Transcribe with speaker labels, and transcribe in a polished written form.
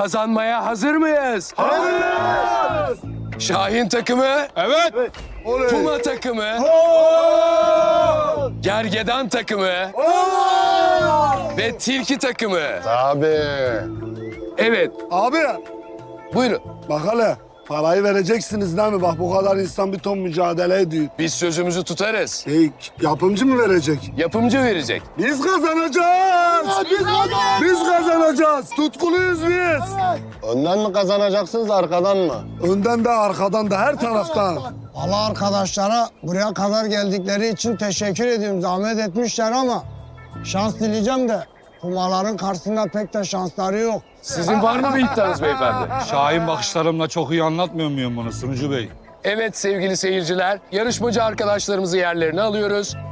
Speaker 1: Kazanmaya hazır mıyız?
Speaker 2: Hazırız.
Speaker 1: Şahin takımı,
Speaker 2: Evet.
Speaker 1: Puma takımı, Gergedan takımı ve Tilki takımı.
Speaker 3: Tabii.
Speaker 1: Evet,
Speaker 4: Abi
Speaker 1: buyurun.
Speaker 4: bak hele parayı vereceksiniz değil mi? Bak bu kadar insan bir ton mücadele ediyor.
Speaker 1: Biz sözümüzü tutarız.
Speaker 4: Yapımcı mı verecek?
Speaker 1: Yapımcı verecek.
Speaker 4: Biz kazanacağız. Biz kazanacağız. Tutkuluyuz biz.
Speaker 3: Önden mi kazanacaksınız, arkadan mı?
Speaker 4: Önden de arkadan da her taraftan.
Speaker 5: Allah arkadaşlara buraya kadar geldikleri için teşekkür ediyorum. Zahmet etmişler ama şans dileyeceğim de kumaların karşısında pek de şansları yok.
Speaker 1: Sizin var mı bir iddianız beyefendi?
Speaker 2: Şahin bakışlarımla çok iyi anlatmıyor muyum bunu Sunucu Bey?
Speaker 1: Evet sevgili seyirciler, yarışmacı arkadaşlarımızı yerlerine alıyoruz.